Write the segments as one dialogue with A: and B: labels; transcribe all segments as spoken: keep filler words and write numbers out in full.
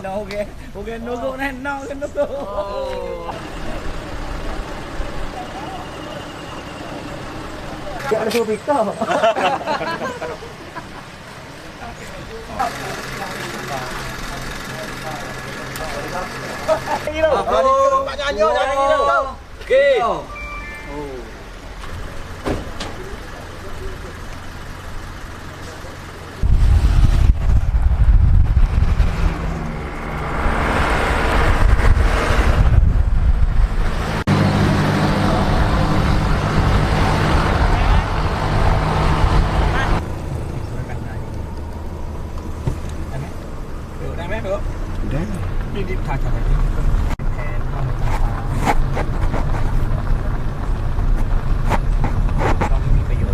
A: no okay okay nunggu nih no nunggu ya ada subito
B: Pak Nyanyo, oke. Iniถ่ายๆแบบนี้แผนว่ามันจะก็ไม่มีประโยชน์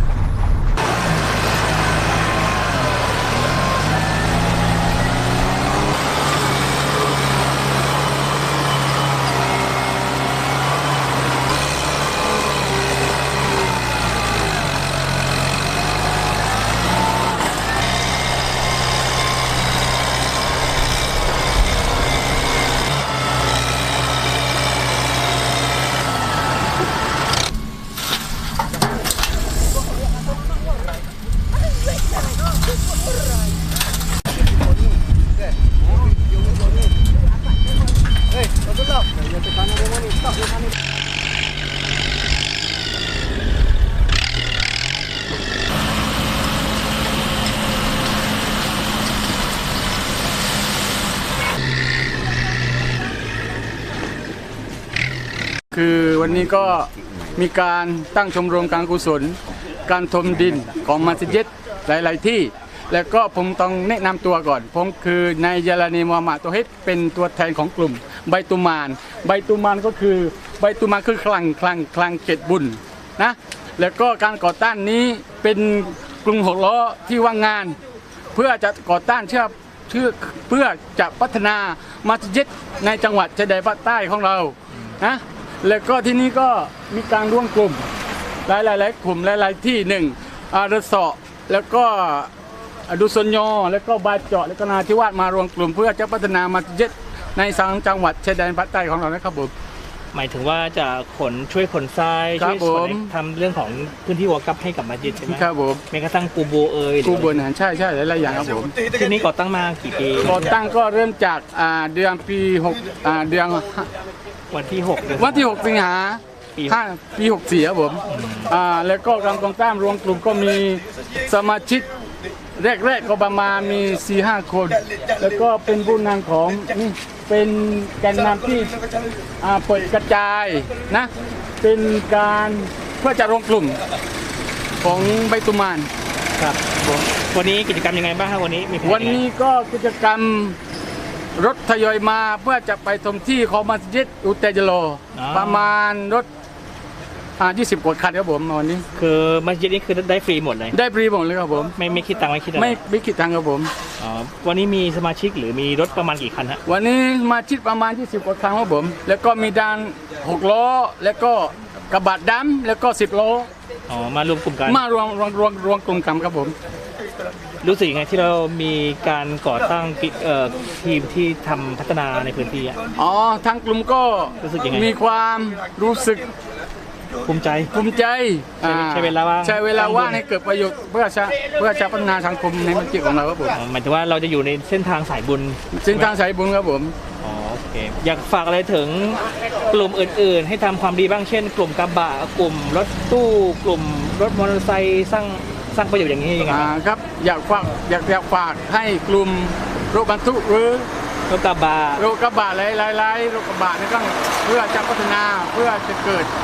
C: คือวันนี้ก็มีการตั้งชมรมการกุศลการถมดินของมัสยิดหลายๆที่แล้วก็ผมต้องแนะนำตัวก่อนผมคือนายยาลานีมูฮัมหมัดโตฮิดเป็นตัวแทนของกลุ่มใบตุมานใบตุมานก็คือใบตุมานคือคลังคลังคลังเกตบุญนะแล้วก็การก่อต้านนี้เป็นกลุ่มหกล้อที่ว่างงานเพื่อจะก่อต้านเชื่อเชื่อเพื่อจะพัฒนามัสยิดในจังหวัดชายแดนภาคใต้ของเรานะแล้วก็ที่นี่ก็มีการร่วมกลุ่มหลายๆกลุ่มหลายๆที่หนึ่งอาร์สอแล้วก็ดุสนยอแล้วก็บาเจาะแล้วก็นาทิวาสมารวมกลุ่มเพื่อจะพัฒนามัสยิดในสังจังหวัดชายแดนภาคใต้ของเรานะครับผม
B: หมายถึงว่าจะขนช่วยขนทรายช่วยขนทำเรื่องของพื้นที่วอกัพให้กับมัสยิดใช่ไหม
C: ครับผม
B: แม้กระทั่งกูโบเอย
C: กูโบนะใช่ใช่หลายๆอย่างครับผม
B: ที่นี้ก่อตั้งมากี่ปี
C: ก่อตั้งก็เริ่มจากเดือนปีหกเดือน
B: วันที่หก
C: วันที่หกสิงหาห้าปีหกสี่ครับผมอ่าแล้วก็การก่อตั้งรวมกลุ่มก็มีสมาชิกแรกๆก็ประมาณมี สี่ห้า คนแล้วก็เป็นผู้นำของนี่เป็นแกนนำที่อ่าเปิดกระจายนะเป็นการเพื่อจะรวมกลุ่มของใบตุมาน
B: ครับผมวันนี้กิจกรรมยังไงบ้างครับวันนี้มี
C: วันนี้ก็กิจกรรมรถทยอยมาเพื่อจะไปชมที่ของมัสยิดอุเตจโลประมาณรถอ่ายี่สิบกว่าคันครับผมวันนี้
B: คือมัสยิดนี้คือได้ฟรีหมดเลย
C: ได้ฟรีหมดเลยครับผม
B: ไม่ไม่คิดตังค์ไม่คิดอะไร
C: ไม่ไม่คิดตังค์ครับผม
B: อ๋อวันนี้มีสมาชิกหรือมีรถประมาณกี่คันฮะ
C: วันนี้สมาชิกประมาณยี่สิบกว่าคันครับผมแล้วก็มีด้านหกล้อแล้วก็กระบะดำแล้วก็สิบล้อ
B: อ๋อมารวมกลุ่มกัน
C: มารวมรวมรวมรวมกลุ่มกันครับผม
B: รู้สึกยังไงที่เรามีการก่อตั้งทีมที่ทำพัฒนาในพื้นที่อ่ะ
C: อ๋อทางกลุ่มก็
B: รู้สึกยังไง
C: มีความรู้สึก
B: ภูมิใจ
C: ภูมิใจ
B: ใช้เวลาว่าง
C: ใช้เวลาว่างให้เกิดประโยชน์เพื่อจะเพื่อจะพัฒนาสังคมในมัสยิดของเราครับผม
B: หมายถึงว่าเราจะอยู่ในเส้นทางสายบุญ
C: เส้นทางสายบุญครับผม
B: อ๋อโอเคอยากฝากอะไรถึงกลุ่มอื่นๆให้ทำความดีบ้างเช่นกลุ่มกระบะกลุ่มรถตู้กลุ่มรถมอเตอร์ไซค์สร้างสร้างประโยชน์อย่างนี้ยังไง
C: ครับอยากฝากอยากอยากฝากให้กลุ่มรถบรรทุกหรือ
B: รถกระบะ
C: รถกระบะหลายๆรถกระบะนี่ต้องเพื่อจะพัฒนาเพื่อจะเกิด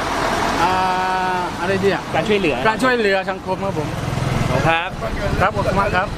C: อะไรดีอ่ะ
B: การช่วยเหลือ
C: การช่วยเหลือสังคมครับผม
B: ครับ
C: ครับขอบคุณมากครับ